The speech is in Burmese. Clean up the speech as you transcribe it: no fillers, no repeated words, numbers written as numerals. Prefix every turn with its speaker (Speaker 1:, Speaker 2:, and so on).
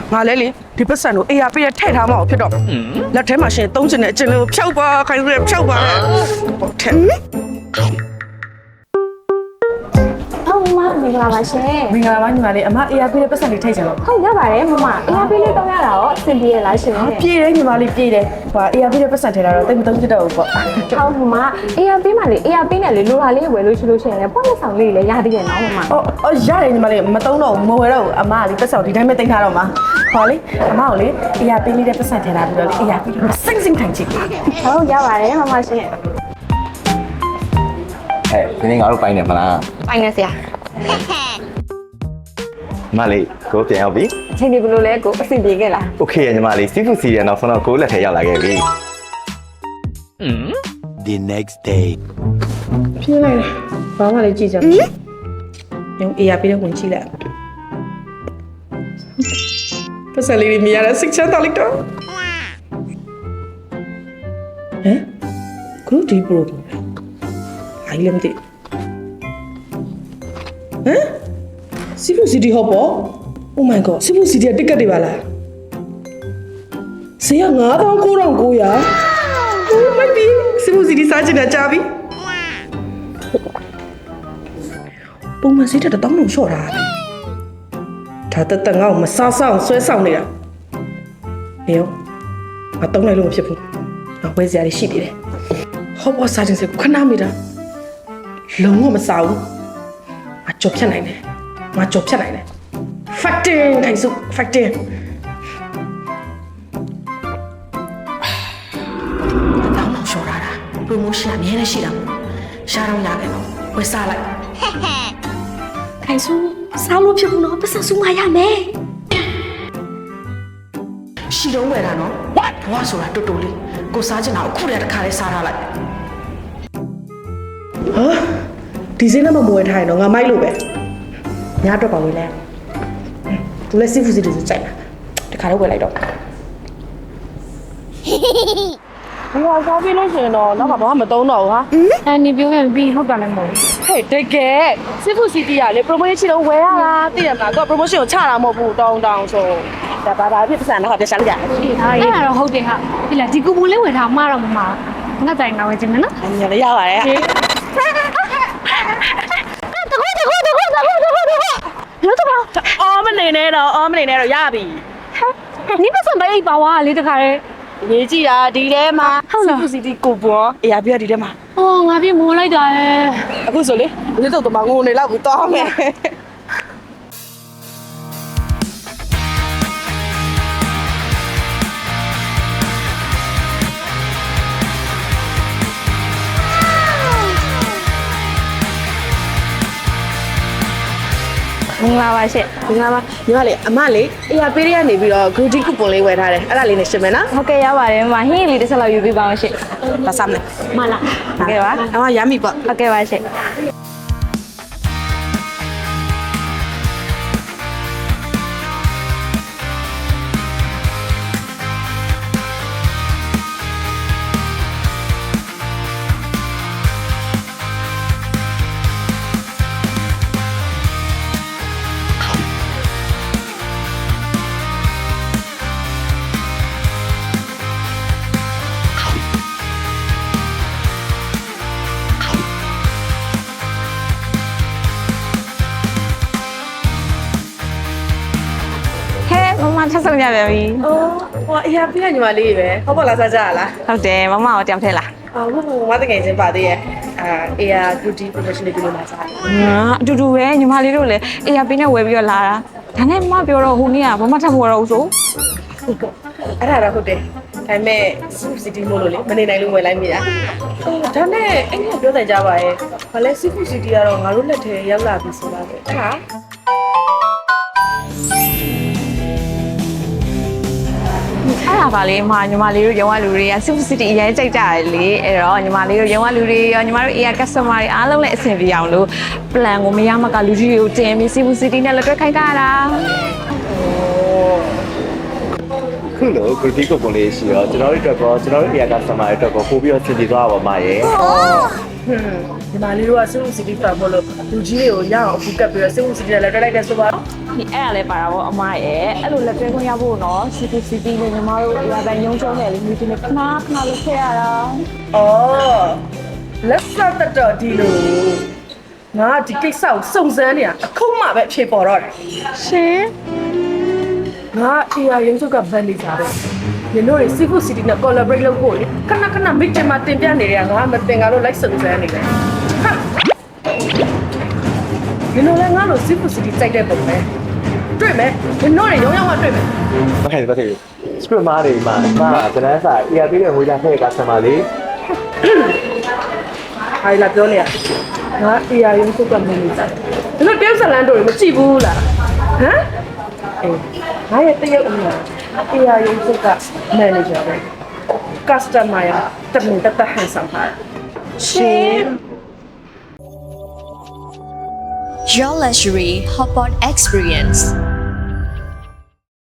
Speaker 1: ငါလဲလေဒီပတ်စံကိုအေးရပြည့်ထည့်ထားမအောင်ဖြစ်တော့လက်ထဲမှာရှင်သုံးချင်တဲ့အကျဉ်းလေးကိုဖြောက်ပါခိုင်းရဖြောက်ပါထက်
Speaker 2: ဟုတ်မမင်္ဂလာပါရှင်
Speaker 1: မင်္ဂလာပါညီမလေးအမအေးရပြည့်ပတ်စံလေးထည့်ချင်တော့
Speaker 2: ဟုတ်ရပါတယ်မမအေးရပေးလေးတောင်းရတာရောအဆင်ပြေရလားရှင်
Speaker 1: ပြေးတယ်ညီမလေးပြေးတယ်ဟိုအေးရပြည့်ပတ်စံထည့်တာတော့တိတ်မသုံးချင်တော့ဘူးပေါ့
Speaker 2: ဟုတ်မမအေးရပေးမှလေအေးရပေးနဲ့လေလိုတာလေးဝယ်လို့ရှိလို့ရှိရင်လည်းပေါ့လက်ဆောင်လေးလည်းရသေးတယ်နော်မမ
Speaker 1: အော်ရတယ်ညီမလေးမသုံးတော့ဘူးမဝယ်တော့ဘူးအမကဒီပတ်စံဒီတိုင်းပဲတင်ထားတော့မှာခေါ်လေအမကိုလေအေးရပြည့်လေးတဲ့ပတ်စံထည့်ထားပြီးတော့လေအေးရပြည့်တော့စင်စင်ထိုင်ချစ်
Speaker 2: ဟုတ်ရပါတယ်မမရှင်
Speaker 3: ဒီနေ့ငါတို့ပိုင်းနေမလား
Speaker 2: ပိုင်နေဆရာ
Speaker 3: ညီမလေးကိုပြန်ရောက်ပြီ
Speaker 2: အချိန်ဒီဘယ်လိုလဲကိုအဆင်ပြေခဲ့လား
Speaker 3: โอเคရညီမလေးစီဖူစီရနောက်ဆုံးတော့ကိုလက်ထဲရောက်လာခဲ့ပြီ
Speaker 4: The next day.
Speaker 1: ပြေးလိုက်တယ်ဘာမှလည်းကြည့်ကြမရှိရုံအေးရပြည့်တဲ့ဝင်ကြည့်လိုက်ပတ်စံလေးမြင်ရတဲ့စိတ်ချမ်းသာလိုက်တော့ဟမ်ကရုဒီပရိုအိုင်လမ်တီဟမ်စီဖူစီတီဟောပေါ့ Oh my god စီဖူစီတီကတစ်ကတ်တွေပါလားဈေးက99,900 Oh my god စီဖူစီတီစားချင်တာကြာပြီပုံမှန်ဈေးတက်တော့တောင်းလို့လျှော့တာဒါတက်တက်ငါ့ကိုမစားဆောင်ဆွဲဆောင်နေတာနေရောမတောင်းလိုက်လို့မဖြစ်ဘူးငါဝယ်စရာတွေရှိသေးတယ်ဟောပေါ်စားချင်စခဏမိတာလုံးဝမစားဘူးငါကြော်ဖြတ်နိုင်တယ်ငါကြော်ဖြတ်နိုင်တယ် Facting ခိုင်စု Facting တောင်းလို့လျှော့တာ promotion အများနဲ့ရှိတာမို့ရှားတော့ရတယ်နော်ဝယ်စားလိုက်
Speaker 2: ခိုင်စုစားလို့ဖြစ်ဘူးနော်ပတ်စံစုမရမယ်
Speaker 1: ရှီတော့ဝယ်တာနော်ဘွားဆိုတာတူတူလေးကိုစားချင်တာအခုတည်းတစ်ခါလေးစားထားလိုက်ဟာဒီစင်းနဲ့မမွေထားရင်တော့ငါမိုက်လို့ပဲညာတော့ပါဝယ်လဲသူလည်းစီဖူစီတူစကြိုက်တာတစ်ခါတော့ဝယ်လိုက်တော့ဘွားစားပြီးလို့ရှိရင်တော့နောက်ကဘာမှမသုံးတော့ဘူးဟာ
Speaker 2: နေပြောရင်ပြီးဟုတ်တယ်လည်းမဟုတ်
Speaker 1: ဟဲ့တကယ်စီဖူစီတီကလေ promotion လုံးဝယ်ရတာသိရမလားသူက promotion ကိုချတာမဟုတ်ဘူးတောင်းဆိုဒါဘာဖြစ်ပတ်စံတော့ပြရှာလိုက်ရတယ်
Speaker 2: ဘူးအဲ့ဒါတော့ဟုတ်တယ်ဟာဒီလားဒီကူပန်လေးဝယ်ထားမှတော့မမငါတိုင်ငါဝယ်ခြင်းနော်
Speaker 1: အညာလည်းရပါတယ်
Speaker 2: တကူလို့တော့
Speaker 1: အော်မနေနဲ့တော့ရပြီ
Speaker 2: နိပတ်စံပဲအိပ်ပါဝါလေးတခါလေ
Speaker 1: ရေးကြည့်တာဒီထဲမှာ
Speaker 2: ဟုတ်လား
Speaker 1: စီစီတီကိုပွန်အေးရပြဒီထဲမှာ
Speaker 2: အော်ငါပြေမိုးလိုက်တာလေ
Speaker 1: အခုဆိုလေဒီတော့တမငိုနေလောက်ဘူးတောင်းမယ်
Speaker 2: မင်္ဂလာပါရှင့်
Speaker 1: ဒီကမှာညီမလေးအမလေးအေးရပေးရကနေပြီးတော့ goodie coupon လေးဝယ်ထားတယ်အဲ့ဒါလေးနဲ့ရှင်းမယ်နော်
Speaker 2: ဟုတ်ကဲ့ရပါတယ်မဟင်းလေးတစ်ဆက်လောက်ယူပေးပါအောင်ရှင့်
Speaker 1: ဒါစမ်းမယ်
Speaker 2: မလားဟုတ်ကဲ့ပါ
Speaker 1: အမရမ်းပြီပေါ့
Speaker 2: ဟုတ်ကဲ့ပါရှင့်ဟဲ့မမထပ်ဆုံးရပြန်ပြီ
Speaker 1: အော်ဟိုအေးရပေးရညီမလေးပဲဟုတ်ပါလားစားကြရလား
Speaker 2: ဟုတ်တယ်မမကိုတယောက်ထဲလား
Speaker 1: အော်ဟုတ်မတကယ်ချင်းပါသေးရဲ့အေးရ goodie promotion လေးပြုလုပ်လာစားတယ်
Speaker 2: အတူတူပဲညီမလေးတို့လည်းအေးရပေးနဲ့ဝယ်ပြီးတော့လာတာဒါနဲ့မပြောတော့ဟိုနေ့ကဘာမှထပ်မဝယ်တော့ဘူးဆို
Speaker 1: အဲ့ဒါတော့ဟုတ်တယ်ဒါပေမဲ့ city မို့လို့လေမနေနိုင်လို့ဝယ်လိုက်မိတာဒါနဲ့အဲ့ဒီပြောတယ်ကြပါရဲ့ဘာလဲ city ကတော့ငါတို့လက်ထဲရောက်လာပြီဆိုတာပဲဟာ
Speaker 2: အဲ့ဒါပါလေညီမလေးတို့ရုံးကလူတွေက Super City အရင်ကြိုက်ကြတယ်လေအဲ့တော့ညီမလေးတို့ရုံးကလူတွေရောညီမတို့ AR customer တွေအားလုံးလည်းအဆင်ပြေအောင်လို့ plan ကိုမရမကလူကြီးတွေကိုတင်ပြီး Super City နဲ့လက်တွဲခိုင်းကြတာ
Speaker 3: ခုလို goodie coupon လေးရှိတော့ကျွန်တော်တို့အတွက်ကောကျွန်တော်တို့ area customer တွေအတွက်ကောပို့ပြီးတော့ဆင်ပြေသွားပါပါရဲ့
Speaker 1: ဒီမှာလေးတို့က city ဖတ်ဖို့လို့လူကြီးတွေကိုရအောင်အခုကပ်ပြီးတော့ city နဲ့လက်တွဲလိုက်တဲ့ဆိုပါတော့
Speaker 2: ဒီအဲ့ဒါလည်းပါတာပေါ့အမရဲ့အဲ့လိုလက်တွဲခွင့်ရဖို့နော် CCTV နဲ့ညီမတို့အရာပိုင်းရုံးချုံးတယ်လေမိတင်နဲ့ခဏလုပ်ခဲ့ရတာ
Speaker 1: အော်လက်ဆက်တတော်ဒီလိုငါဒီကိစ္စကိုစုံစမ်းနေတာအခုမှပဲအဖြေပေါ်တော့တယ်
Speaker 2: ရှင်
Speaker 1: ငါ AI ရုံးချုပ်ကဗန်နေကြတယ်ညီတို့တွေ Seafood City နဲ့ collaborate လုပ်ဖို့လေခဏခဏ meeting မှာတင်ပြနေတယ်ငါမတင်ကတော့ like စုံစမ်းနေတယ်ဟာညီတို့လည်းငါတို့ Seafood City စိုက်တဲ့ပုံပဲတွေ့မယ်ညီတို့တွေရုံးရောက်မှတွေ့မယ်
Speaker 3: မခိုင်ဘူး script မားတွေမှာကျွန်တော်စာ ERP ရဲ့ငွေသားထည့် customer လေး
Speaker 1: ဟာလာပြောနေရငါ AI ရုံးချုပ်ကမင်းနေကြတယ်ညီတို့တယောက်ဇလန်တို့တွေမကြည့်ဘူးလားဟမ်အေးငါရဲ့တယောက်အမေ AI ရုံးချုပ်က manager ပဲ customer ရတမင်တဟန်ဆောင်ထား
Speaker 2: ရှင်
Speaker 4: Your luxury hotpot experience.